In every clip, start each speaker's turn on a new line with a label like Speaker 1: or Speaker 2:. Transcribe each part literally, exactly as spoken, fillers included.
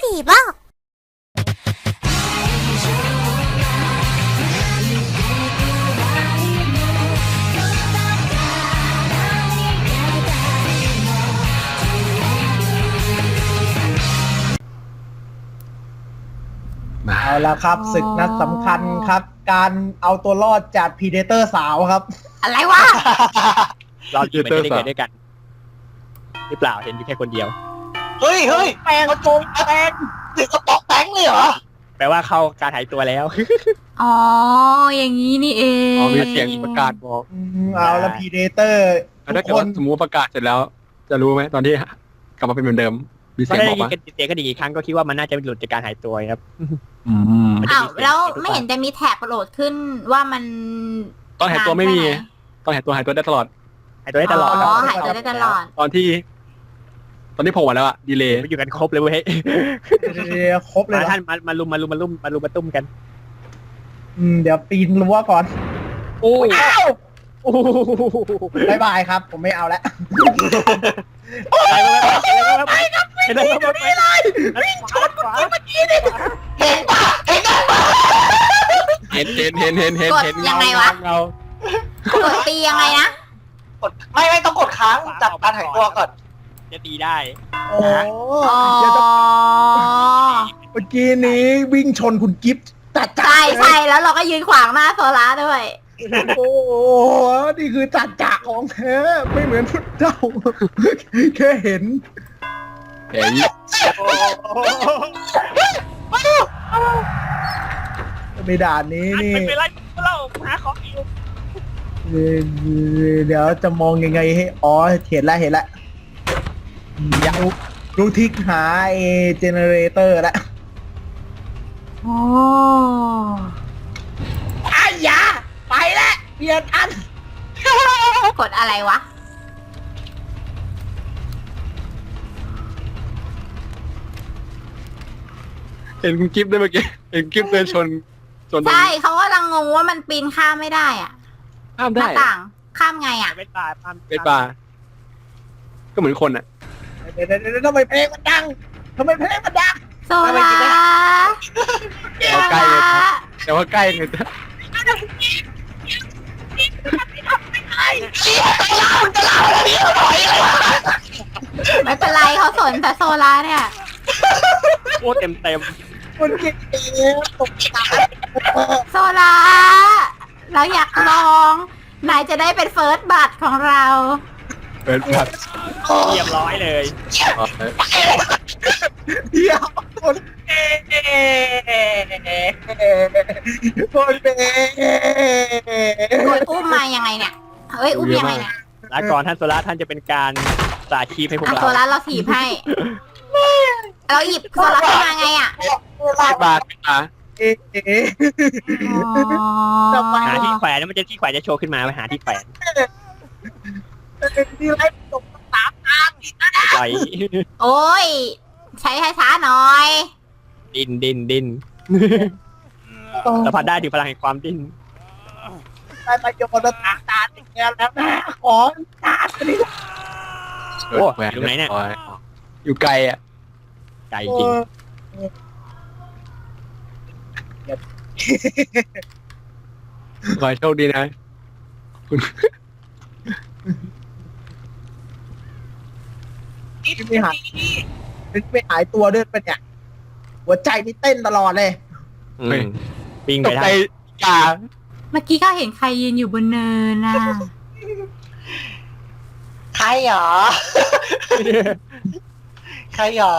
Speaker 1: ผีบ้า
Speaker 2: เอาละครับศึกนัดสำคัญครับ การเอาตัวรอดจากพีเดเตอร์สาวครับ
Speaker 1: อะไรวะ
Speaker 3: เราอยู่ไม่ได้เกิดด้วยกันหรือเปล่าเห็นอยู่แค่คนเดียว
Speaker 4: เฮ้ยเฮ้ยแปลงกระโปรงแปลงถึงกระป๋องแปลงเลยเหรอ
Speaker 3: แปลว่าเข้าการหายตัวแล้ว
Speaker 1: อ๋ออย่างนี้นี่เอง
Speaker 5: อ๋อมีเสียงประกาศบอก
Speaker 2: อืมเอาละพีเดเตอร์
Speaker 5: แล้ว
Speaker 2: ทุ
Speaker 5: ถ้าก เกิด
Speaker 2: ค
Speaker 5: ว่าน สมมติว่าประกาศเสร็จแล้ว จะรู้ไหมตอนที่กลับมาเป็นเหมือนเดิม มี
Speaker 3: ก็
Speaker 5: เสียง
Speaker 3: ได้
Speaker 5: บอก
Speaker 3: ยิน
Speaker 5: ว่า
Speaker 3: กันเสียงกันอีกครั้งก็คิดว่ามันน่าจะหลุดจากการหายตัวครับ
Speaker 5: อืม
Speaker 1: อ้าวแล้วไม่เห็นจะมีแท็บโหลดขึ้นว่ามัน
Speaker 5: ตอนหายตัวไม่มีตอนหายตัวหายตัวได้ตลอด
Speaker 3: หายตัวได้ตลอด
Speaker 1: อ๋อหายตัวได้ตลอด
Speaker 5: ตอนที่ ตอนที่โผล่มาแล้วอะดีเลย์
Speaker 3: ไม่อยู่กันครบเลยเว้ย
Speaker 2: เดี๋ยวครบเลย
Speaker 3: มา
Speaker 2: เหรอ
Speaker 3: ท่านมามาลุมมาลุมมาลุมมาลุมมาตุ้มกัน
Speaker 2: อืมเดี๋ยวปีนรั้วก่อน
Speaker 3: โอ้ย
Speaker 2: อ้าว
Speaker 3: โอ้โห
Speaker 2: บายบายครับ ผมไม่เอาแล้ว
Speaker 3: ไปครับไปครับไปเลยวิ่งชนเมื่อกี้นี่
Speaker 4: เห็นปะเห็นกันปะ
Speaker 5: เห็นเห็นเห็นเห็นเห็นเห็น
Speaker 1: ยังไงวะ
Speaker 5: เงาก
Speaker 1: ดตียังไงนะ
Speaker 4: กดไม่ไม่ต้องกดค้างจับการหายตัวก่อน
Speaker 3: จะตีได้
Speaker 2: โอ้
Speaker 1: อ๋อ
Speaker 2: เดี๋ยวจะเมื่อกี้นี้วิ่งชนคุณกิฟต์จัดจ้า
Speaker 1: ใช่ใช่แล้วเราก็ยืนขวางหน้าโซล่าด้วย
Speaker 2: โอ้โหนี่คือจัดจ่าของแท้ไม่เหมือนพวกเจ้า แค่เห็น
Speaker 5: เห็น
Speaker 2: ในด่านนี้นี่
Speaker 3: ไม่เป็นไรเราหาของอยู่
Speaker 2: เอ่อเดี๋ยวจะมองยังไงให้อ๋อเห็นแล้วเห็นแล้วอยากรู้รู้ทิกหาไอเจเนเรเตอร์แล้ว
Speaker 1: โอ้
Speaker 2: ไอ้ยาไปแล้วเปลี่ยนอัน
Speaker 1: กดอะไรวะ
Speaker 5: เห็นคุณกิฟต์ด้วยเมื่อกี้เห็นกิฟต์เดินชนชน
Speaker 1: ใช่เขาก็ลังงงว่ามันปีนข้ามไม่ได้อ่ะ
Speaker 5: ข้าม
Speaker 1: ห
Speaker 5: ได้
Speaker 1: น้าต่างข้ามไงอ่ะ
Speaker 3: เป็นป่า
Speaker 5: เป็นป่าก็เหมือนคนอะ
Speaker 2: เดี๋ยวเดี๋ยวเดี๋ยวทำไมเพลงมันดังทำไมเพลงมันดัง
Speaker 1: โซล่า
Speaker 5: แต่ว่าใกล้เลยนะแต่ว่าใกล้เลยนะ
Speaker 1: ไม่เป็นไรเขาสนแต่โซล่าเนี่ย
Speaker 3: โอ้เต็มเต็ม
Speaker 2: คนเก่งตกใจ
Speaker 1: โซล่าเราอยากลองนายจะได้เป็นเฟิร์สบัตของเรา
Speaker 5: เป็นแบบ
Speaker 3: เรียบร้อยเลย
Speaker 2: เดี๋ยวคนเก่งคนเก่ง
Speaker 1: กดอุ้มมายังไงเนี่ย เฮ้ยอุ้มยังไงเนี่ย
Speaker 3: ลาก่อนท่านโซล่าท่านจะเป็นการสาชีพให้พวก
Speaker 1: อ่ะ
Speaker 3: เรา
Speaker 1: โซล่าเราถีบให้ เราหยิบโซล่าขึ้นมาไงอ่ะ
Speaker 5: เป็นบาทเป็นบาท
Speaker 2: เอ๊ะเอ๊ะ
Speaker 1: อ๋อ
Speaker 3: หาที่แขวนแล้วมันจะที่แขวนจะโชว์ขึ้นมาไปหาที่แขวน
Speaker 2: ที่ไรตกสามทาง
Speaker 3: ปล่อย
Speaker 1: โอ้ย ใช้ช้าๆหน่อย
Speaker 3: ดินดินดินสัมผัสได้ถึงพลังแห่งความดิ้น
Speaker 2: ได้ประโยชน์ตาตาติดแก้วแล้วนะขอตาติด
Speaker 3: โอ้อยู่ไหนเนี่ย
Speaker 5: อยู่ไกลอะ
Speaker 3: ไกลจริง
Speaker 5: ขอให้โชคดีนะคุณ
Speaker 2: ไม่หายไม่หายตัวด้วยปะเนี่ยหัวใจนี่เต้นตลอดเลย
Speaker 3: อืมปิ้ง
Speaker 5: ต
Speaker 3: ไป
Speaker 5: ก
Speaker 3: ได้
Speaker 5: ใจกา
Speaker 1: เมื่อกี้ก็เห็นใครยืนอยู่บนเนินน่ะ
Speaker 4: ใครหรอใครหรอ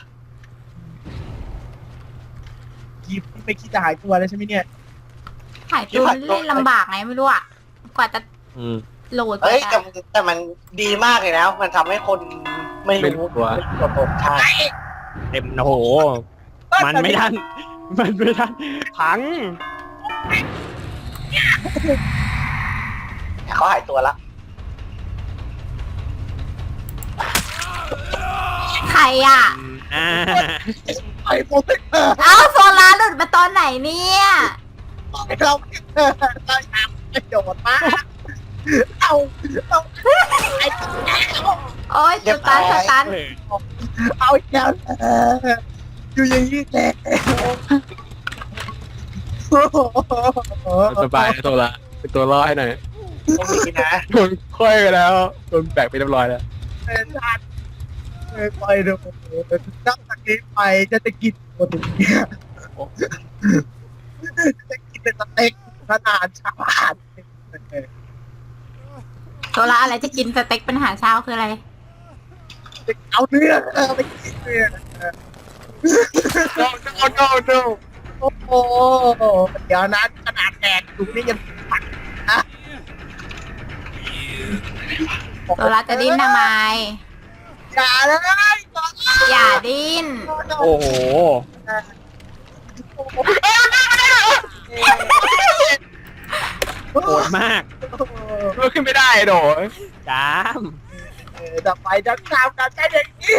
Speaker 2: กีบไม่คิดจะหายตัวแล้วใช่ไหมเนี่ย
Speaker 1: ถ่ายตัวเล่นลำบากไงไม่รู้อ่ะ กว่าจะ
Speaker 3: อืม
Speaker 1: โหลดก
Speaker 4: เฮ้
Speaker 1: ว่าย
Speaker 4: แต่
Speaker 1: จะ
Speaker 4: แต่มันดีมากเลยนะมันทำให้คนไม่รู้ตัวตนใช่
Speaker 3: เต็มโอ้โห มันไม่ทันมันไม่ทันพัง
Speaker 4: เขาหายตัวละ
Speaker 1: ใครอ่ะ
Speaker 3: อ่า
Speaker 2: ไอ้โปรเทคเตอร์
Speaker 1: เอ้าโซลาร์หลุดมาตอนไหนเนี่ย
Speaker 2: เราเราทำประโยชน์มากเอาเอาไอ้
Speaker 1: โอ้ยสตันสตัน
Speaker 3: เออ
Speaker 2: เอาอีกแล้วอยู่อย่างนี้แหละ
Speaker 5: สบายนะตัวละเป็นตัวรอดให้หน่อย
Speaker 4: ต้องมีนะ
Speaker 5: โดนค่อยไปแล้วโดนแบกไปเรียบร้อยแล้ว
Speaker 2: เป็นชาติไม่ไปดูนับจากนี้ไปจะจะกินโปรตีนเนี่ยจะกินเป็นสเต็กขนาดชาติ
Speaker 1: โซล่าอะไรจะกินสเต็กเป็นอาหารเช้าคืออะไร
Speaker 2: เอาเนื้อเออไปกินเนื้อ
Speaker 5: no no no no
Speaker 2: โอ้โหเดี๋ยวนั้นขนาดแดกอยู่นี่ยังปักนะ
Speaker 1: โซล่าจะดิ้นทำไม
Speaker 2: อย่าเลย
Speaker 1: อย่าดิ้น
Speaker 3: โอ้โหโหดมาก
Speaker 5: ลุกขึ้นไม่ได้โดด
Speaker 3: จาม
Speaker 2: จะไปจะข้ามกันใช่อย่างนี้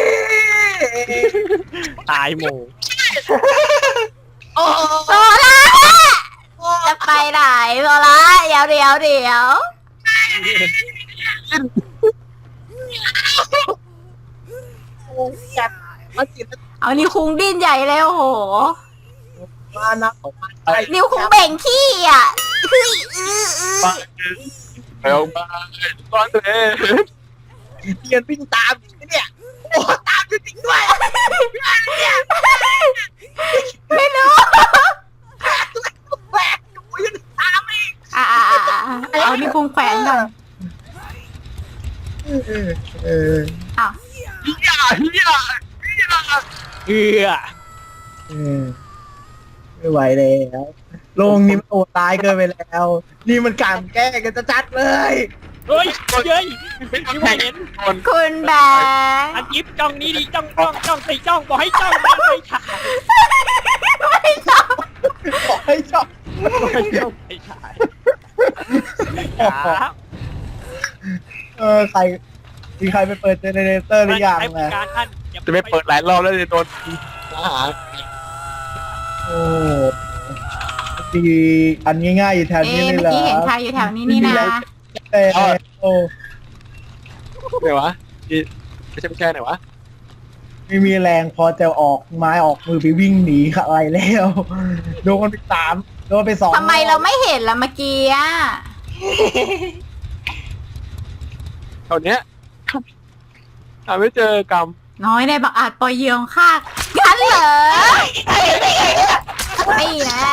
Speaker 3: ตายหมู่
Speaker 2: โอ้
Speaker 1: โซล่าจะไปไหนโซล่าเดี๋ยวเดี๋ยวเดี๋ยว
Speaker 2: โหจัดมาจิต
Speaker 1: เอานิ้วคุงดิ้นใหญ่เลยโอ้โห
Speaker 2: มานะออกมาไป
Speaker 1: นิ้วคุงเบ่งขี้อ่ะเฮ้ยอื้ออื้อ
Speaker 5: เร็วมาตอนเต้
Speaker 2: เตียนวิ่งตามเนี่ยโอ้ตามจริงๆด้วย
Speaker 1: ไม่รู้
Speaker 2: แหวกอยู่ยังตามอีก
Speaker 1: อ่ะอ่ะอ่ะอ่ะเอานิ้วคุงแขวนก่อน
Speaker 2: เออเออ
Speaker 1: อ้าว
Speaker 5: อย่าอย่า
Speaker 3: เอือ
Speaker 2: เออไม่ไหวแล้วโลงนี้มันโอดตายเกินไปแล้ว นี่มันการแก้กันจะจัดเลย
Speaker 3: เฮ้ยเย้ย
Speaker 5: เป็น
Speaker 3: ไม่
Speaker 5: แข่ง
Speaker 3: เห็น
Speaker 5: คน
Speaker 1: คุณแบงค์
Speaker 3: อันยิบจ้องนี้ดิจ้องจ้องจ้องตีจ้องบอกให้จ้องไม่ไม่ถ่าย
Speaker 1: ไม่ชอบ
Speaker 2: บอกให้ชอบ
Speaker 3: ไม่จ้องไม่ถ่ายครับ
Speaker 2: เออใครมีใครไปเปิดเจเนเรเตอร์หรือยัง
Speaker 3: ให้บริ
Speaker 2: นะ
Speaker 3: การท่านอย่า
Speaker 5: จะไม่เปิดหลายรอบแล้วจะโดนทหาร
Speaker 2: โอ้มีอันง่ายๆอยู่แถว
Speaker 1: เอ๊ะ
Speaker 2: นี้เลย
Speaker 1: เมื่อ
Speaker 2: เหรอ
Speaker 1: กี้เห็นใครอยู่แถวนี้นี่นะ
Speaker 2: แต่โอ้
Speaker 5: ไหนวะนี่ไม่ใช่ไม่ใช่ไหนวะ
Speaker 2: ไม่มีแรงพอจะออกไม้ออกมือไปวิ่งหนีอะไรแล้วโดนไปสามโดนไปสอง
Speaker 1: ทำไมเราไม่เห็นล่ะเมื่อกี้อ่ะ
Speaker 5: แถวเนี้ยหาไม่เจอกรรม
Speaker 1: น้อยในบักอาจปล่อยเหยื่อของข้ากันเหรอไม่นะ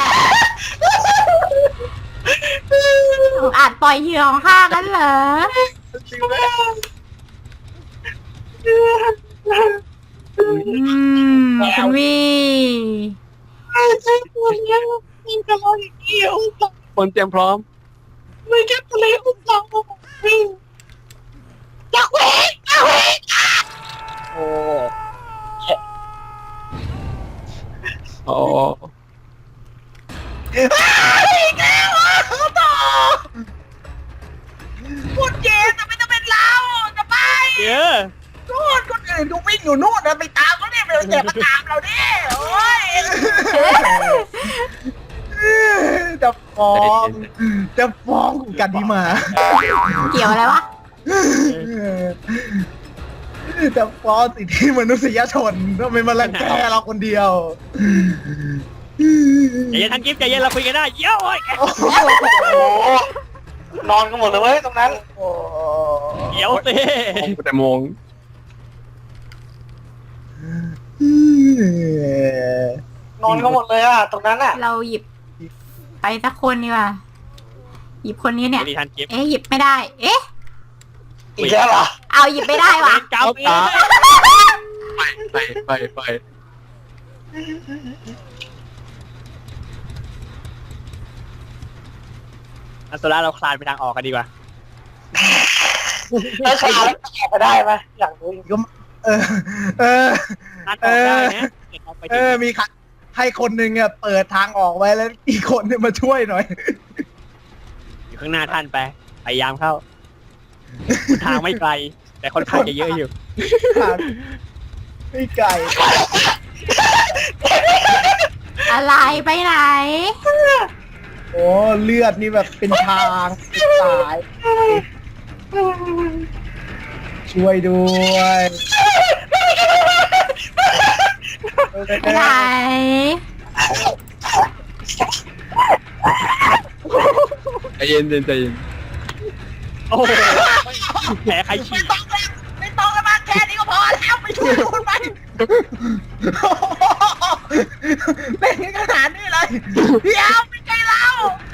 Speaker 1: บักอาจปล่อยเหยื่อของข้ากันเหรออืมคุณวี
Speaker 5: คนเตรียมพร้อม
Speaker 2: ไม่แค่ทะเลอุ้มเราอยากเวกอยากเวก
Speaker 3: โอ้
Speaker 5: โอ้
Speaker 2: อีกแล้วอ่ะต่อพูดเย็นแต่ไม่ต้องเป็นเราจะไป
Speaker 3: เยอะ
Speaker 2: นู่นคนอื่นดูวิ่งอยู่นู่นนะไปตามเขาเนี่ยไปอย่ามาตามเราดิโอ้ยจะฟ้องจะฟ้องกันดีมา
Speaker 1: เกี่ยวอะไรวะ
Speaker 2: จะฟ้องสิทธิมนุษยชนทำไมมาลังแกเราคนเดียว
Speaker 3: ใจเย็นท่านกิฟต์ใจเย็นเราคุยกันได้เย้ย
Speaker 2: โอ้โห
Speaker 4: โอ้โหนอนกันหมดเลยเว้ยตรงนั้น
Speaker 3: เดี๋ยวสิ
Speaker 5: แต่โมง
Speaker 4: นอนกันหมดเลยอ่ะตรงนั้นอ่ะ
Speaker 1: เราหยิบไปสักคนดีกว่าหยิบคนนี้เนี่ย
Speaker 3: ดีท่านกิฟต์
Speaker 1: เอ๊ะหยิบไม่ได้ เอ๊ะ
Speaker 4: อีกแล้วเหรอ
Speaker 1: เอาหยิบไม่ได้
Speaker 3: เว
Speaker 1: ว่ะ
Speaker 3: รกรรมอีก
Speaker 5: ไปไปไป
Speaker 3: อันโซล่าเราคลานไปทางออกกันดีกว่า
Speaker 4: แล้วขาแล้วจะออกไปได้ไหมอยากรู้จริง
Speaker 2: ก็เออ เออ
Speaker 3: คลานออกได้นะเดี๋ยวเราไป
Speaker 2: เอ
Speaker 3: ถึง
Speaker 2: อ มีใครให้คนหนึ่งอ่ะเปิดทางออกไว้แล้วอีกคนเนี่ยมาช่วยหน่อย
Speaker 3: อยู่ข้างหน้าท่านไปพยายามเข้าทางไม่ไกล แต่ค่อนข้างจะเยอะอยู่
Speaker 2: ทางไม่ไกล
Speaker 1: อะไรไปไหน
Speaker 2: โอ้เลือดนี่แบบเป็นทางเป็นสาย ช่วยด้วย เอ
Speaker 1: ไหน
Speaker 5: ใจเย็นใจเย็นใจเย็น
Speaker 3: โอ้โหแผลใครฉีก
Speaker 4: ไม่ต้องแล้วมาแค่นี้ก็พอแล้วไปช่วยคุณไป
Speaker 2: เป็นขนาดนี้เลย
Speaker 4: เดี๋ยวไม่ใช่เรา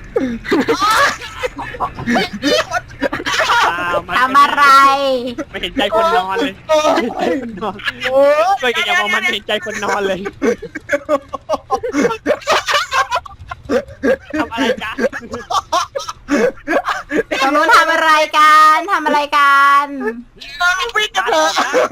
Speaker 3: อ้าวมัน
Speaker 1: ทำอะไร
Speaker 3: ไม่เห็นใจคนนอนเลยไม่เห็นใจคนนอนช่วยกันอย่ามองมันไม่เห็นใจคนนอนเลยทำอะไรกัน
Speaker 1: ทางนู้นทำอะไรกันทำอะไรกัน
Speaker 4: วิ่งกันเถอะ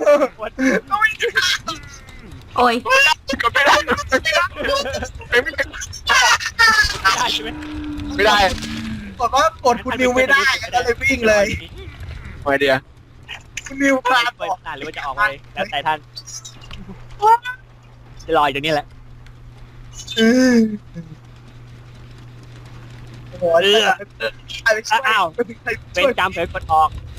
Speaker 1: โอ้ย
Speaker 5: ก็ไม่ได้ไม่ได้ไม่ได้
Speaker 3: ได้ใช่ไหม
Speaker 5: ไม่ได้
Speaker 2: บอกว่ากดคุณนิวไม่ได้ก็เลยวิ่งเลย
Speaker 5: ไอเดีย
Speaker 2: คุณนิวพลาด
Speaker 3: เปิ
Speaker 2: อ
Speaker 3: ด
Speaker 2: อก
Speaker 3: หน้าหรือว่าจะออกไปแล้วแต่ท่านจะรออยู่ตรงนี้แหละ
Speaker 2: อือโอ้โห
Speaker 3: เออ
Speaker 2: ใครไปช่วย
Speaker 3: อ้าว
Speaker 2: ไม่มีใคร
Speaker 3: เป็
Speaker 2: ช่
Speaker 3: น
Speaker 2: วย
Speaker 3: กรรมเผยกดออก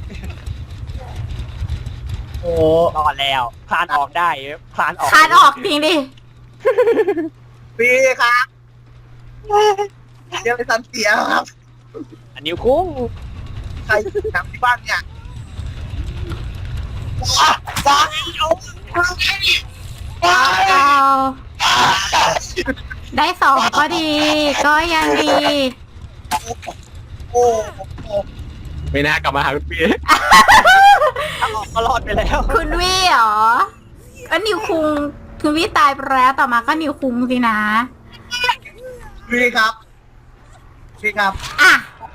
Speaker 2: โอ้
Speaker 3: รอดแล้วคลานออกได้คลานออก
Speaker 1: คานออกจริงดิ
Speaker 2: พี่ครับเดี๋ยวไปสันเสียครับ
Speaker 3: อันนิ้วคุ้ง
Speaker 2: ใครทำที่บ้านเนี่ย
Speaker 4: จ้าเอา
Speaker 1: เอาได้สองก็ดี ก็ยังดี
Speaker 2: โอ้โห
Speaker 5: ไม่น่ากลับมาหาคุณปี
Speaker 3: ถ้าออกก็รอดไปแล้ว
Speaker 1: คุณวี่เหรอก็นิวคุงคุณวี่ตายไปแล้วต่อมาก็นิวคุงสินะ
Speaker 2: พี่ครับพี่ครับ
Speaker 1: อ่ะ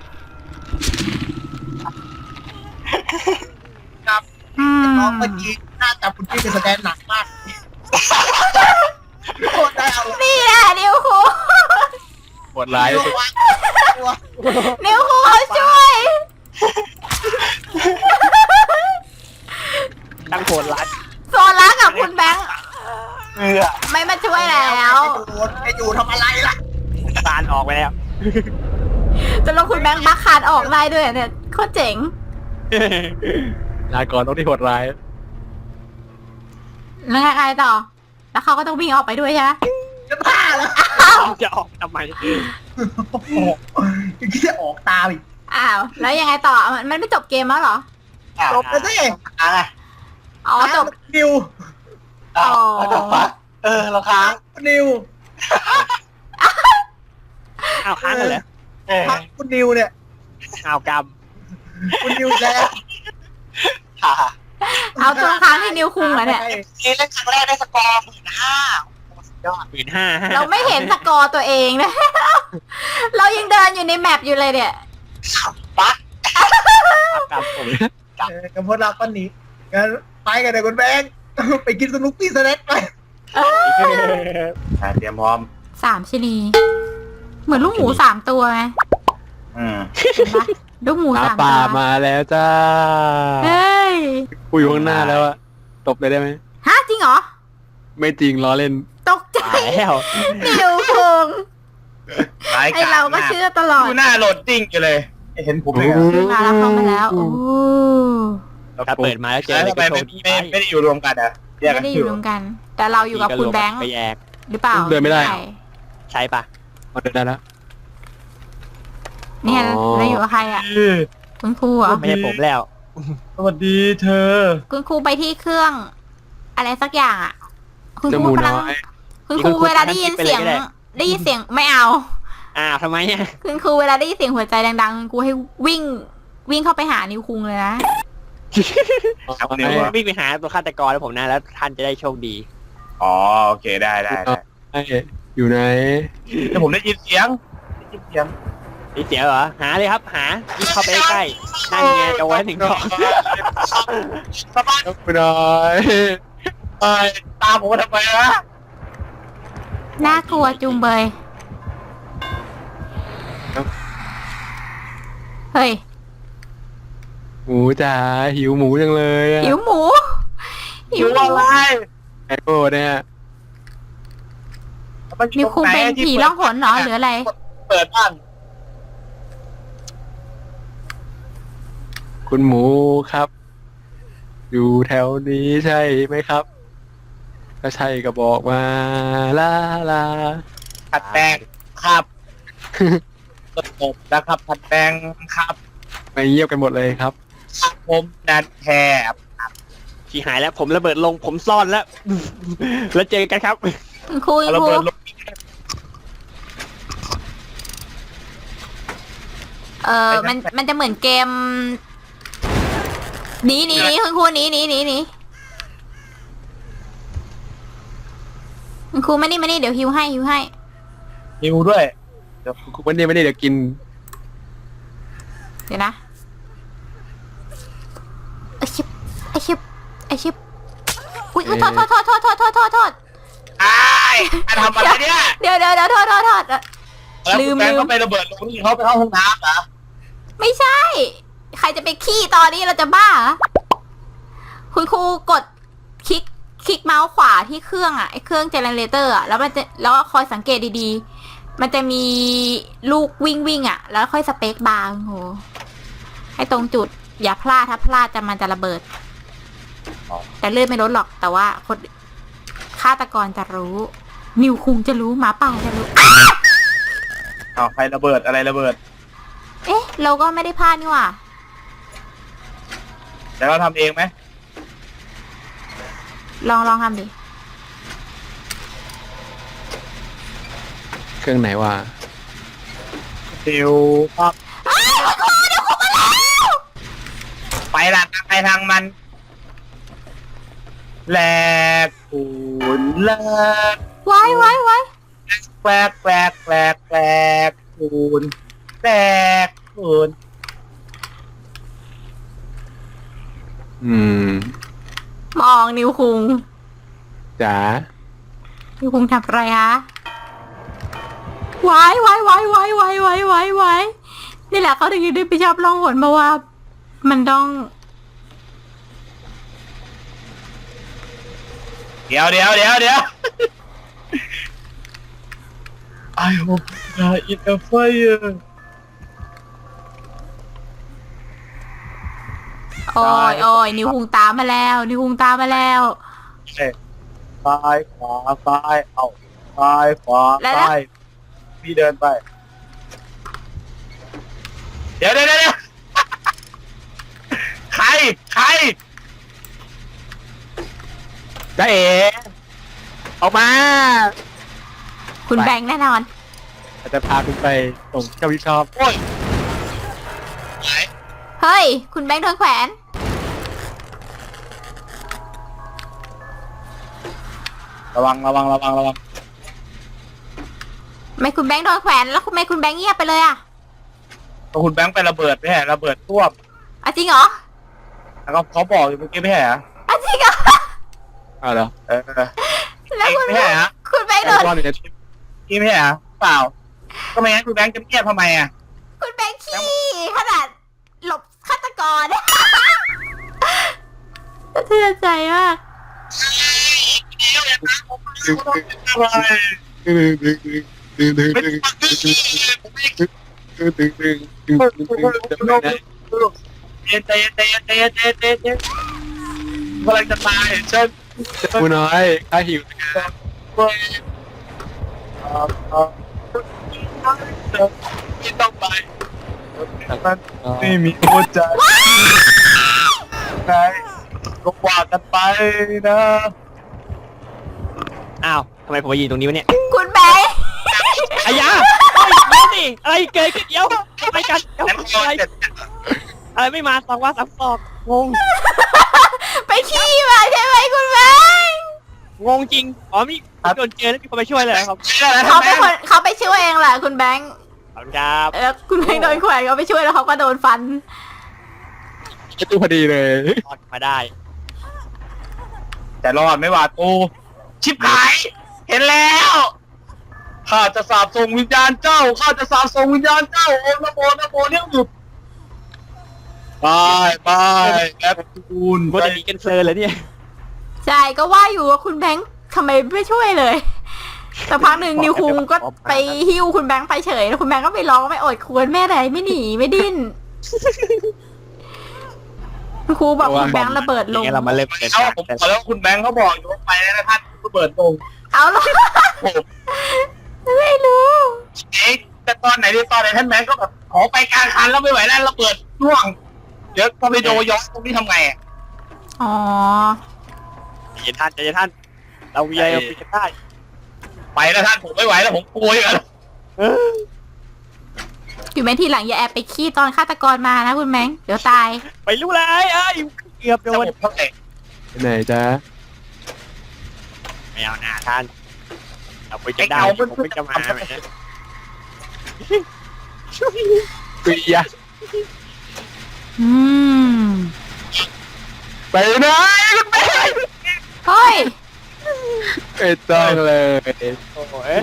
Speaker 2: ครับ
Speaker 1: อืม
Speaker 2: น้องเมื่อกี้น่าจะคุณพี่เป็นแสดงหนักมากโคตรได้เอา
Speaker 1: นี่แหละนิวคุง
Speaker 5: ปวดร้าย
Speaker 2: ตัวตัว
Speaker 1: นิวคุงเขาช่วย
Speaker 3: ตั้งโผล่รัด
Speaker 1: โซล่ากับคุณแบงค์
Speaker 4: เกลือ
Speaker 1: ไม่มาช่วยแล้ว
Speaker 2: ไอ้อยู่ทำอะไรล่ะ
Speaker 3: คลานออกไปแล้ว
Speaker 1: จะลงคุณแบงค์บักคานออกได้ด้วยเนี่ยโคตรเจ๋ง
Speaker 5: ลาก่อนต้องที่โหดร้าย
Speaker 1: แล้วไงต่อ แล้วเขาก็ต้องวิ่งออกไปด้วยใช่ไหม
Speaker 2: จะบ้าแล้ว
Speaker 3: จะออกทำไม
Speaker 2: โอ้โหยังคิดจะออกตามอีก
Speaker 1: อ้าว แล้วยังไงต่อ มันมันไม่จบเกมแล้วเหรอ
Speaker 2: จบแล้วสิ
Speaker 4: อ่ะ
Speaker 1: อ๋อจบ
Speaker 2: นิว
Speaker 4: อ้าวแล้วจบปะเออเราค้าง
Speaker 2: นิว
Speaker 3: อ้าวค้างกันเหรอ
Speaker 4: เออ
Speaker 2: พักคุณนิวเนี่ย
Speaker 3: อ้าวกรรม
Speaker 2: คุณนิวแล้ว
Speaker 4: ค่ะ
Speaker 1: เอาตัวค้างที่นิวคุงเหรอเนี่ย
Speaker 4: นี่เล่นครั้งแรกได้สกอร์หมื่นห้าโอ้สุดยอด
Speaker 3: หมื่นห้า
Speaker 1: เราไม่เห็นสกอร์ตัวเองนะ เรายังเดินอยู่ในแมปอยู่เลยเนี่ย
Speaker 4: ปั๊ก
Speaker 3: กรรมผม
Speaker 2: เออกับพวกเราก็หนีงั้นไปกันเลยคุณแบงค์ไปกินสนุกปี้สแน็คไป
Speaker 4: เตรียมพร้อม
Speaker 1: สามชนีเหมือนลูกหมูสามตัวไง
Speaker 4: อืม
Speaker 1: เห็นปะลูกหมู
Speaker 5: หา
Speaker 1: สาม
Speaker 5: ป่า
Speaker 1: ตัว
Speaker 5: มาแล้วจ้า
Speaker 1: เฮ้ย
Speaker 5: กูอยู่ข้างหน้าแล้วอะตบเลยได้ไหม
Speaker 1: ฮะจริงเหรอ
Speaker 5: ไม่จริงล้อเล่น
Speaker 1: ตกใจ
Speaker 3: ตายแล้ว
Speaker 1: นิวคุงไอเราก็เชื่อตลอด
Speaker 4: ดูหน้าโหลดดิ้งอยู่เลยเห็นผม
Speaker 5: โอ้
Speaker 4: เลย
Speaker 5: โห
Speaker 1: ขึ้นมาแล้วเข้ามาแล้วโอ้
Speaker 3: ถ้าเปิดมาแล้วเจออะไร
Speaker 4: ทำไม
Speaker 3: ก็โช
Speaker 4: ไม่
Speaker 3: คดี
Speaker 4: ไม่
Speaker 3: ไป
Speaker 4: ไม่ได้อยู่รวมกันอ่ะแยก
Speaker 1: ไม่
Speaker 4: กัน
Speaker 1: ได้
Speaker 4: อ
Speaker 1: อยู่ ยู่รวมกัน แต่เราอยู่กับคุณแบงค์
Speaker 3: ไปแยก
Speaker 1: หรือเปล่า
Speaker 5: เดินไม่ได้
Speaker 1: ใช่
Speaker 3: ใช่ปะ
Speaker 5: มาเดินได้แล้ว
Speaker 1: เนี่ย
Speaker 5: อ๋อ
Speaker 1: เราอยู่กับใครอ่ะ คุณครูเหรอ
Speaker 3: ไม่ใช่ผมแล้ว
Speaker 5: สวัสดีเธอ
Speaker 1: คุณครูไปที่เครื่อง อะไรสักอย่างอ่ะ คุณ
Speaker 5: จ
Speaker 1: ค
Speaker 5: มู
Speaker 1: รู
Speaker 5: ก
Speaker 1: กำลัง
Speaker 5: น้อย
Speaker 1: คุณครูเวลาได้ยินเสียง ได้ยินเสียงไม่เอา
Speaker 3: อ้าวทำไมอ่ะ
Speaker 1: คุณครูเวลาได้ยินเสียงหัวใจดังๆคุณครูให้วิ่ง วิ่งเข้าไปหานิวคุงเลยนะ
Speaker 4: ครับนิวอะ
Speaker 3: วิ่งไปหาตัวฆาตกรแล้วผมนะแล้วท่านจะได้โชคดี
Speaker 4: อ๋อโอเคได้ได้ได้
Speaker 5: ไอ้อยู่ไหน
Speaker 4: แต่ผมได้ยินเสียงได้ยินเสียง
Speaker 3: นี่เสียเหรอหาเลยครับหาวิ่งเข้าไปใกล้ๆนั่นไงจะไว้ถึงก่อน
Speaker 4: สบาย
Speaker 5: ยกไปหน่อย
Speaker 4: เอ้ยตามผมมาทำไมวะ
Speaker 1: น่ากลัวจุงเบย เฮ้ย
Speaker 5: หมูจ๋าหิวหมูจังเลยอะ
Speaker 1: หิวหมู หิวหมู
Speaker 5: ไอ้โอ้เนี่ย
Speaker 1: นิวคุงเป็นผีล่องหนเหรอหรืออะไร
Speaker 4: เปิดบ้าน
Speaker 5: คุณหมูครับ อยู่แถวนี้ใช่ไหมครับก็ใช่ก็บอกมาลาลา
Speaker 4: ผัดแดงครับตบนะครับผัดแดงครับ
Speaker 5: ไม่เงียบกันหมดเลยครับ
Speaker 4: ผมนันแทบ
Speaker 3: ที่หายแล้วผมระเบิดลงผมซ่อนแล้ว แล้วเจอกันครับ
Speaker 1: คุณครูคุณ
Speaker 4: ระ
Speaker 1: ครู
Speaker 4: เบิดลง
Speaker 1: เออมันมันจะเหมือนเกมหนีหนีหนีคุณครูหนีหนีหนีหนีคุณครูมานี่มานี่เดี๋ยวฮิวให้ฮิวให้
Speaker 4: นิวด้วย
Speaker 5: คุณวันนี้ไม่ได้เดี๋ยวกิน
Speaker 1: เดี๋ยวนะไอชิบไอชิบไอชิบอุ้ยอุ๊ยโทษโทษโทษโทษโทษโทษโทษโทษ
Speaker 4: ไอ้มาทำอะไรเนี่ย
Speaker 1: เดี๋ยวเดี๋ยวเดี๋ยวโทษโทษโทษ
Speaker 4: แล้ว
Speaker 1: ลืม
Speaker 4: คุณแบง
Speaker 1: ลื
Speaker 4: ค์
Speaker 1: ม
Speaker 4: ก็ไประเบิดลงนี่เขาไปเข้าห้องน้ำเหรอ
Speaker 1: ไม่ใช่ ใครจะไปขี้ตอนนี้เราจะบ้าเหรอคุณครูกดคลิกคลิกเมาส์ขวาที่เครื่องอ่ะไอเครื่องเจเนเรเตอร์อ่ะแล้วมันจะแล้วก็คอยสังเกตดีๆ มันจะมีลูกวิ่งวิ่งอ่ะ แล้วค่อยสเปคบาร์โหให้ตรงจุด อย่าพลาดถ้าพลาดจะมันจะระเบิด แต่เลือดไม่ลดหรอกแต่ว่าคนฆาตกรจะรู้ นิวคุงจะรู้หมาป่าจะรู้
Speaker 4: อ้าวใครระเบิดอะไรระเบิด
Speaker 1: เอ๊ะ เราก็ไม่ได้พลาดนี่หว่า
Speaker 4: แต่เราทำเองไหม
Speaker 1: ลองลองทำดิ
Speaker 5: เครื่องไหนวะ
Speaker 4: เดี๋ยวครับไปละทางใครทางมันแหลกปูนแหลก
Speaker 1: ไว้ไว้ไว้
Speaker 4: แหลกแหลกแหลกแหลกปูนแหลกปูน
Speaker 5: อืม
Speaker 1: มองนิวคุง
Speaker 5: จ๋า
Speaker 1: นิวคุงทำอะไรคะไว้ไว้ไว้ไว้ไว้ไว้ไว้ไว้นี่แหละเขาถึงได้ไปชอบล่องหนมาว่า มันต้อง
Speaker 4: เดี๋ยวเดี๋ยวเดี๋ยวเดี๋ยว I hope that it a fire
Speaker 1: โอ้ยโอ้ยนิวคุงตามมาแล้ว นิวคุงตามมาแล้ว
Speaker 4: ซ้ายขวาซ้ายเอาซ้ายขวา
Speaker 1: แล้ว
Speaker 4: ซ้ายพี่เดินไป เดี๋ยวเดี๋ยวเดี๋ยว ใครใคร
Speaker 5: จ้าเอ๋ออกมา
Speaker 1: คุณแบงค์แน่นอน
Speaker 5: จะพาคุณไปส่งเจ้าวิชอบ
Speaker 4: โอ้ยไหน
Speaker 1: เฮ้ย คุณแบงค์โดนแขวน
Speaker 4: ระวังระวังระวังระวัง
Speaker 1: ไม่คุณแบงค์โดนแขวนแล้วคุณไม่คุณแบงค์เงียบไปเลยอ่ะ
Speaker 4: ก็คุณแบงค์ไประเบิดไม่ใช่ระเบิดท่วม
Speaker 1: อ่ะจริงเหรอ
Speaker 4: แล้วก็เขาบอกอยู่เมื่อกี้ไม่ใช่เหรอ
Speaker 1: อ่ะจริงเหรอ
Speaker 5: อ้าวเหรอ
Speaker 4: เออ
Speaker 1: แล้วคุณ
Speaker 4: ไม่ใช่เหรอ
Speaker 1: คุณแบงค์โดน
Speaker 5: ตอนอยู่ใน
Speaker 4: พี่ไม่ใช่เหรอเปล่า ก็ไม่งั้นคุณแบงค์จะเงียบทำไมอ่ะ
Speaker 1: คุณแบงค์ขี้ขนาดหลบฆาตกร สะเทือนใจมาก
Speaker 5: ดึงดึงดึงดึงดึงดึงดึงดึงดึงดึงดึงดึงดึงดึง
Speaker 4: เย็นใจเย็นใจเย็นใจเย็นใจเย็นใจเย็นกำลังจะตายเชิญ
Speaker 5: กูน้อยข้าหิว
Speaker 4: ไม่ต้องไปมันไม่มีหัวใจไงก็ว่ากันไปนะ
Speaker 3: อ้าวทำไมผมมายืนตรงนี้วะเนี่ย
Speaker 1: คุณแบงค์
Speaker 3: อายาเฮ้ยเดี๋ยวสิอะไรเกิดขึ้นเดี๋ยวไปกันเดี๋ยว
Speaker 4: แล้ว
Speaker 3: อะไร
Speaker 4: เสร็จ
Speaker 3: อะไรไม่มาสองว่าสามสองงง
Speaker 1: ไปขี้มาใช่ไหมคุณแบงค์
Speaker 3: งงจริงอ๋อมีโดนเจอแล้วมีคนมาช่วยเลยเหรอครับ
Speaker 1: เขาเป็นคนเขาไปช่วยเองแหละคุณแบงค์
Speaker 3: ขอบคุณครับ
Speaker 1: แล้วคุณแบงค์โดนแขวนเขาไปช่วยแล้วเขาก็โดนฟัน
Speaker 5: ประตูพอดีเลย
Speaker 3: รอดมาได้
Speaker 4: แต่รอดไม่หวาดตูชิบหาย เห็นแล้วข้าจะสาบส่งวิญญาณเจ้าข้าจะสาบส่งวิญญาณเจ้าโอ้นะโมนะโมเนี่ยหยุดบายบายแอปปูน
Speaker 3: ว่าจะมีกันเซอร์เลยเนี่ย
Speaker 1: ใช่ก็ว่าอยู่ว่าคุณแบงค์ทำไมไม่ช่วยเลยแต่พักหนึ่งนิวคุงก็ไปหิ้วคุณแบงค์ไปเฉยแล้วคุณแบงค์ก็ไปร้องไม่อดควรแม่ใดไม่หนีไม่ดิ้นคุณครูบอกคุณแบงค์ระเบิดลง
Speaker 3: นี่เรามาเริ่มเดิน
Speaker 4: เอา
Speaker 3: ทาง
Speaker 4: ผมขอแล้วคุณแบงค์เขาบอกอยู่ว่าไปแล้วนะท่านคุณระเบิดลง
Speaker 1: เอาเหรอ
Speaker 4: โอ้โห
Speaker 1: ไม่รู้
Speaker 4: เอ๊ะแต่ตอนไหนที่ตอนไหนท่านแมนก็แบบขอไปกลางคันแล้วไม่ไหวแล้วระเบิดร่วง เดี๋ยวพอไปโดย้อนตรงนี้ทำไงอะ
Speaker 1: อ๋อ
Speaker 3: ใจเย็นท่านใจเย็นท่าน เรามีอะไรเราคุยกันได้
Speaker 4: ไปแล้วท่านผมไม่ไหวแล้วผมกลัวอยู่แล้ว
Speaker 1: อยู่ไหมทีหลังอย่าแอบไปขี้ตอนฆาตกรมานะคุณแมงเดี๋ยวตาย
Speaker 3: ไปรู้เลยเอ้ยเกือบโด
Speaker 4: ระ
Speaker 3: น
Speaker 4: บบเท่าไหร่
Speaker 5: ไปไหนจ๊ะ
Speaker 3: ไม่เอาหน้าท่านเราคุยกันได้ผมไม่จะมาไหม
Speaker 5: ปียะ
Speaker 1: อืม
Speaker 5: ไปไหนคุณแม่
Speaker 1: เฮ้ย
Speaker 5: ไม่ต้องเลย
Speaker 3: โอ้ย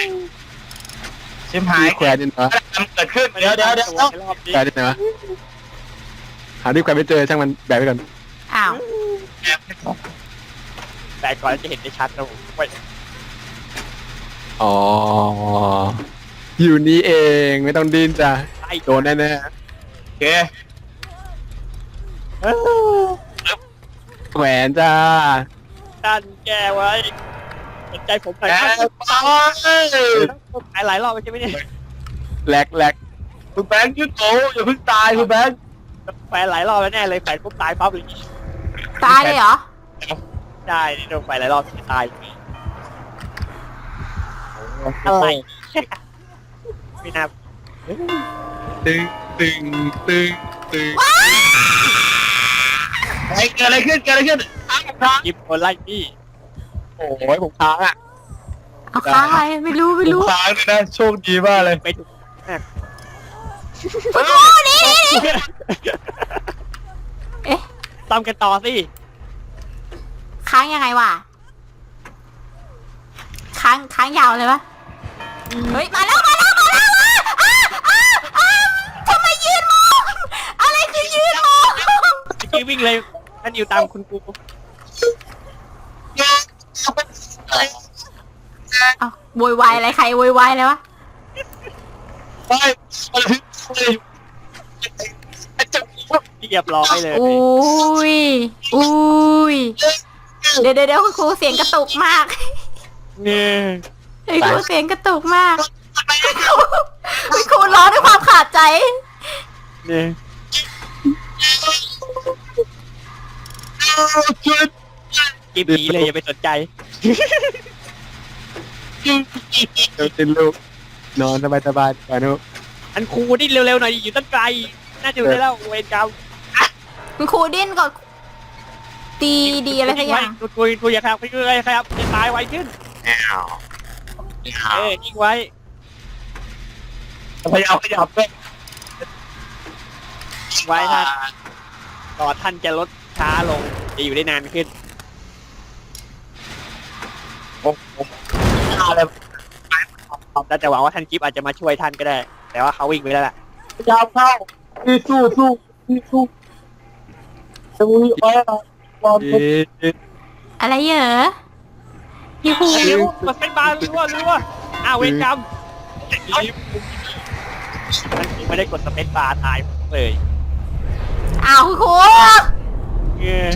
Speaker 4: ชิมหาย
Speaker 5: มีแขวนนี่นะ
Speaker 4: มันเกิดขึ้นเดี๋ยวเดี๋ยวเดี๋ยว
Speaker 3: รอบนี้
Speaker 5: แขวนนี่นะหาที่แขวนไม่เจอช่างมันแบกไปก่อน
Speaker 1: อ้าว
Speaker 3: แต่ก่อนจะเห็นได้ชัดนะผมไป
Speaker 5: อ๋ออยู่นี่เองไม่ต้องดิ้นจ้ะ
Speaker 3: ไล่
Speaker 5: โดนแน่
Speaker 4: โอเค
Speaker 5: ๆแขวนจ้า
Speaker 3: ท่านแกไว้สนใจผมหน่อย
Speaker 4: แก
Speaker 3: ท่าน
Speaker 4: ไป
Speaker 3: ต้องหายหลายรอบใช่ไหมเนี่ย
Speaker 5: แหลกแหลก
Speaker 4: คุณแบงค์ยืดโตอย่าเพิ่งตายคุณแบงค์
Speaker 3: แฟนหลายรอบแล้วแน่เลยแฟนปุ๊บตายปั๊บเลย
Speaker 1: ตายเลยเหรอ
Speaker 3: ใช่โดนไฟหลายรอบตายอะไรไม่น่า
Speaker 5: ตึงตึงตึงตึง
Speaker 4: ไอ้เกิดอะไรขึ้นเกิดอะไรขึ้นอ้าวครับ
Speaker 3: ยิบคนไล่พี่
Speaker 5: โอ้ยผมค้างอ่ะ
Speaker 1: เอาค้างอะไรไม่รู้ไม่รู้
Speaker 4: ค้างเลยนะโชคดีมากเลย
Speaker 3: ไปถูก
Speaker 1: คุณครูนี่นี่นี่เอ๊ะ
Speaker 3: ตามกันต่อสิ
Speaker 1: ค้างยังไงวะค้างค้างยาวเลยวะเฮ้ยมาแล้วมาแล้วมาแล้วอ่ะอ่ะอ่ะอ่ะทำไมยืนมองอะไรคือยืนมอง
Speaker 3: เมื่อกี้วิ่งเลยท่านอยู่ตามคุณครู
Speaker 1: เอาโวยวายอะไรใครโวยวายอะไรวะ
Speaker 4: ไปอะไรที่จะ
Speaker 3: เรียบร้อยเลย
Speaker 1: อุ้ยอุ้ยเดี๋ยวเดี๋ยวเดี๋ยวคุณครูเสียงกระตุกมาก
Speaker 3: เนี่ย
Speaker 1: คุณครูเสียงกระตุกมากคุณครูร้องด้วยความขาดใจ
Speaker 3: เนี่ย
Speaker 4: ช่วย
Speaker 3: กิบหนีเลยอย่าไปสนใจ
Speaker 5: เดี๋ยวตินลูกนอนสบายสบายๆก่อนนุ
Speaker 3: อันครูนี่เร็วๆหน่อยอยู่ตั้งไกลน่าจะอยู่ได้แล้วเวรกรรม
Speaker 1: คุณครูดิ้นก่อนตีดีอะไรสักอย่าง
Speaker 3: คุยคุยคุยอย่าครับคุยคุยอย่าครับจะตายไวขึ้นเออทิ้งไว้
Speaker 4: พยายามขยับด้วย
Speaker 3: ทิ้งไว้ท่านต่อท่านจะลดช้าลงจะอยู่ได้นานขึ้น
Speaker 4: ผมผมอะไร
Speaker 3: แล้วแต่หวังว่าท่านกิฟอาจจะมาช่วยท่านก็ได้ แต่ว่าเขาวิ่งไปแล้วล่ะ
Speaker 4: พยายามเข้าที่สู้สู้ที่สู้จะมุ้ยอ้อยรอ
Speaker 5: เอ๊ะ
Speaker 1: อะไรเหรอพี่ครู
Speaker 3: เร็วกดเป็นบาร์รัวรัวอ้าวเวรกรรมไม่ได้กดสเปซบาร์ตายเลย
Speaker 1: อ้าวคุณครู
Speaker 3: เออ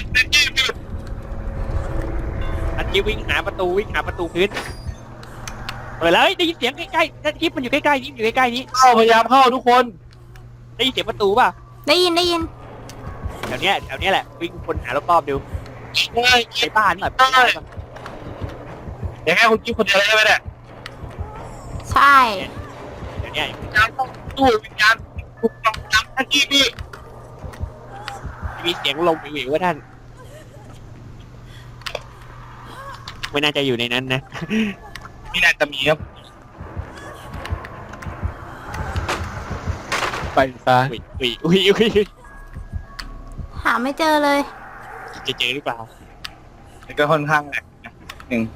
Speaker 3: อันกี้วิ่งหาประตูวิ่งหาประตูพื้นเปิดแล้วได้ยินเสียงใกล้ๆท่านกิฟมันอยู่ใกล้ๆนี่อยู่ใกล้ๆนี้
Speaker 4: เข้าพยายามเข้าทุกคน
Speaker 3: ได้ยินเสียงประตูป่ะ
Speaker 1: ได้ยินได้ยิน
Speaker 3: แถวเนี้ยแถวเนี้ยแหละวิ่งคนหารอบๆดู
Speaker 4: ง่าย
Speaker 3: ไอ้บ้านแบบ
Speaker 4: เดี๋ยวแค่คุณกิ๊ฟคนเดียวได้ไหมเนี่ย
Speaker 1: ใช่
Speaker 3: เดี๋ยวเนี้ย
Speaker 4: วิญญาณต้องสู้วิญญาณถูกต้องตามท่านกี้พี่
Speaker 3: มีเสียงลมวิวๆว่าท่านไม่น่าจะอยู่ในนั้นนะ
Speaker 4: นี่น่าจะมีครับ
Speaker 5: ไปซะ
Speaker 3: อุ้ยอุ้ยอุ้ยอุ้ย
Speaker 1: หาไม่เจอเลย
Speaker 3: จะเจอหรือเปล่า
Speaker 4: นี่ก็ค่อนข้างแหลกนะหนึ่ง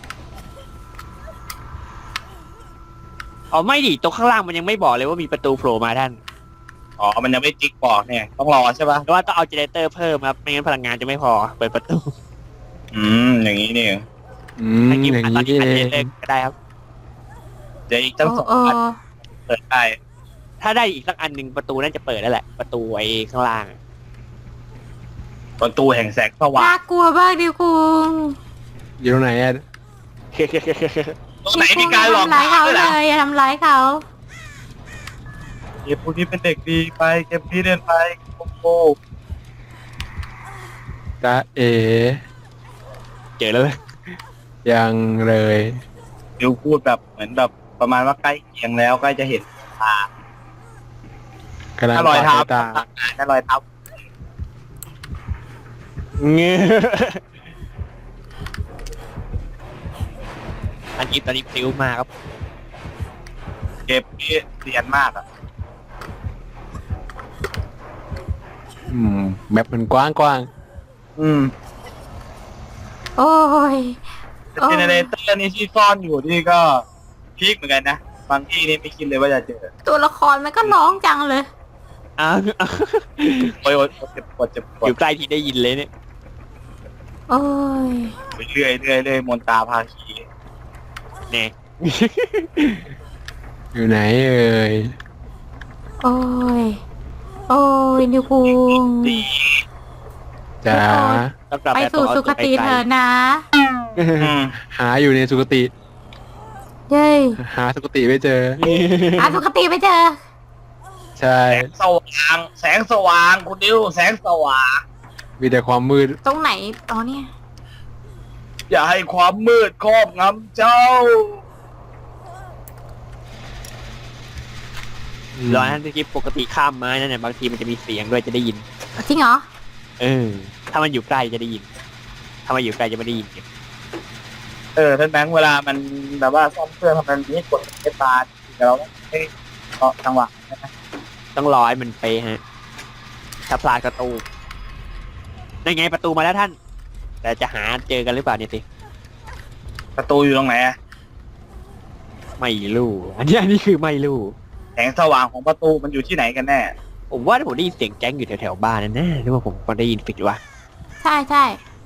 Speaker 3: อ๋อไม่ดิตรงข้างล่างมันยังไม่บอกเลยว่ามีประตูโผล่มาท่าน
Speaker 4: อ๋อมันยังไม่จิ๊กบอกเนี่ยต้องรอใช่ป่ะ
Speaker 3: เพราะว่าต้องเอาเจเนเรเตอร์เพิ่มครับไม่งั้นพลังงานจะไม่พอเปิดประตู
Speaker 4: อืมอย่างนี้นี่เอง
Speaker 5: อืม
Speaker 3: ถ้ากิฟ
Speaker 5: อย่าง
Speaker 3: ตอน
Speaker 5: นี้
Speaker 3: นี้
Speaker 5: นี่
Speaker 3: อันเจ
Speaker 5: เอ
Speaker 3: เนเรเตอง ร์ก็ได้ครับ
Speaker 4: เดี๋ยวอีกตั้ง
Speaker 1: โอ้
Speaker 4: สอง
Speaker 1: โอ้
Speaker 4: อันเปิดได้
Speaker 3: ถ้าได้อีกสักอันหนึ่งประตูน่าจะเปิดแล้วแหละ ประตูไอ้ข้างล่าง
Speaker 4: ประตูแห่งแสงสว่า
Speaker 1: น่าง กลัวมากดิคุณ
Speaker 5: อยู่ตรงไหนอะ
Speaker 4: ตรงไหนมีการหลอก
Speaker 1: ทำร้ายเขา
Speaker 4: ด้วย
Speaker 1: เล
Speaker 4: ล่ะ
Speaker 1: ยอย่าทำร้ายเขา
Speaker 4: เกมพวกนี้เป็นเด็กดีไปเกมพี่เล่นไปโอ้โห
Speaker 5: จะเอ
Speaker 3: เจอแล้วเลย
Speaker 5: ยังเลย
Speaker 4: ดิวพูดแบบเหมือนแบบประมาณว่าใกล้เคียงแล้วใกล้จะเห็นตาก
Speaker 5: ำลัง
Speaker 4: ถ้ารอยเท้า
Speaker 5: ตา
Speaker 4: ถ้ารอยเท้า
Speaker 3: เงี้ยอันนี้ตอนนี้พลิ้วมากครับ
Speaker 4: เกมพี่เรียนมากอ่ะ
Speaker 5: อืมแมปมันกว้างกว้าง
Speaker 4: อืม
Speaker 1: โอ้ย
Speaker 4: เจเนเรเตอร์นี่ที่ซ่อนอยู่นี่ก็พีคเหมือนกันนะบางที่นี่ไม่คิดเลยว่าจะเจอ
Speaker 1: ตัวละครมันก็ร้องจังเลย
Speaker 3: อ้าว
Speaker 4: โอ้ยโอ้ยเจ็บปวดเจ็บปว
Speaker 3: อ
Speaker 4: ด
Speaker 3: ยู่ใกล้ที่ได้ยินเลยเนี่ย
Speaker 1: โอ้ย
Speaker 4: ไปเรื่อยเรื่อยเรื่อยมนตาพาคี
Speaker 3: เนี่ย
Speaker 5: อยู่ไหนเอ่ย
Speaker 1: โอ้ย โอ้ยนิวคุง
Speaker 4: ดี
Speaker 5: จ๋า
Speaker 3: ต้องกลับ
Speaker 1: ไป
Speaker 3: แบบ
Speaker 1: สู่
Speaker 3: ต้องเอา
Speaker 1: สุคติ
Speaker 3: ตัวไกลๆ
Speaker 1: เถอะนะ
Speaker 4: อืม
Speaker 5: หาอยู่ในสุคติ
Speaker 1: เย้
Speaker 5: หาสุคติไม่เจอ
Speaker 1: อาสุคติไปเจอ
Speaker 5: ใช่
Speaker 4: แสงสว่างแสงสว่างคุณดิวแสงสว่าง
Speaker 5: มีแต่ความมืด
Speaker 1: ตรงไหน อ๋อเนี่ย
Speaker 4: อย่าให้ความมืดครอบงำเจ้า
Speaker 3: ร้อยนั่นที่ปกติข้ามไม้นั่นเนี่ยบางทีมันจะมีเสียงด้วยจะได้ยิน
Speaker 1: จริงเหรอ
Speaker 3: เออ ถ้ามันอยู่ใกล้จะได้ยิน ถ้ามันอยู่ไกลจะไม่ได้ยิน
Speaker 4: เออท่านแบงค์เวลามันแบบว่าซ่อมเครื่องทำมันนี้กดเอตาเดี๋ยวเราไม่เกาะจังหวะนะ
Speaker 3: ต้องรอให้มันเป๊ะฮะ ถ้าพลาดก็ตูมนั่นไงประตูมาแล้วท่าน แต่จะหาเจอกันหรือเปล่าเนี่ยสิ
Speaker 4: ประตูอยู่ตรงไหนอะ
Speaker 3: ไม่รู้อันนี้อันนี้คือไม่รู้
Speaker 4: แสงสว่างของประตูมันอยู่ที่ไหนกันแน่
Speaker 3: ผมว่าผมได้ยินเสียงแจ้งอยู่แถวๆบ้านนั่นแน่หรือว่าผมก็ได้ยินผิดวะ
Speaker 1: ใช่ใช่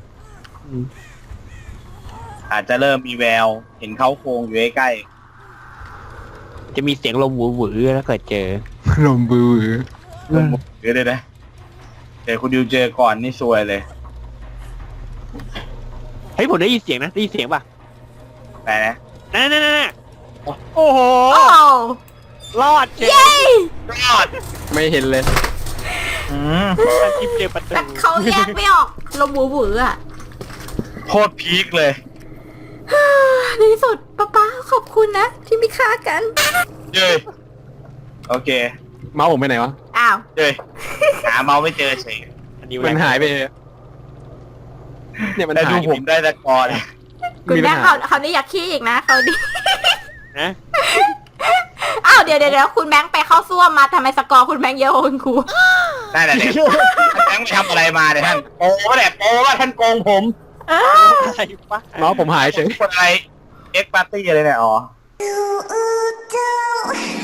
Speaker 4: อาจจะเริ่มมีแววเห็นเขาโครงอยู่ใกล้
Speaker 3: จะมีเสียงลมหวือๆแล้วเกิดเจอ
Speaker 5: ลมบือ
Speaker 4: ๆลงมือเดี๋ยวเลยนะเดี๋ยวคุณดิวเจอก่อนนี่ซวยเลย
Speaker 3: เฮ้ยผมได้ยินเสียงนะได้ยินเสียงป่ะ
Speaker 4: แต่นะ
Speaker 3: นั่นนั่นนั่นโอ้โห
Speaker 1: โอ้
Speaker 3: รอดเจอ
Speaker 1: เย้
Speaker 4: รอด
Speaker 5: ไม่เห็นเลย
Speaker 4: อืม
Speaker 3: ท่านทิพย์เจอประตู
Speaker 1: แต่เขาแยกไม่ออกลมหวูหวืออ่ะ
Speaker 4: โคตรพีคเลย
Speaker 1: ในที่สุดป้าป้าขอบคุณนะ ที่ไม่ฆ่ากัน
Speaker 4: เย้ยโอเค
Speaker 5: เมาส์ผมไปไหนวะ
Speaker 1: อ้าว
Speaker 4: เย้ยหาเมาส์ไม่เจอเฉย
Speaker 3: อันนี้
Speaker 5: มันหายไปเลยเนี่ยมัน
Speaker 4: แต่ดู
Speaker 5: หาย
Speaker 4: ผมได้แต่ก่อน
Speaker 1: คุณ
Speaker 5: มีปั
Speaker 1: แม่
Speaker 5: ญหา
Speaker 1: เขาเขานี่อยากขี้อีกนะเขาดิ
Speaker 3: นะ
Speaker 1: อ้าวเดี๋ยวเดี๋ยวเดี๋ยวคุณแบงค์ไปเข้าซ่วมมาทำไมสกอร์คุณแบงค์เยอะกว่าคุณครู
Speaker 4: ได้แต่เด็กท่านแบงค์ไปทำอะไรมาเนี่ยท่านโป้แหละโป้ว่าท่านโกงผม
Speaker 3: อะไรวะ
Speaker 5: เมาส์ผมหายเฉย
Speaker 4: คนอะไรเอ็กปาร์ตี้อะไรเนี่ยอ๋อ
Speaker 6: You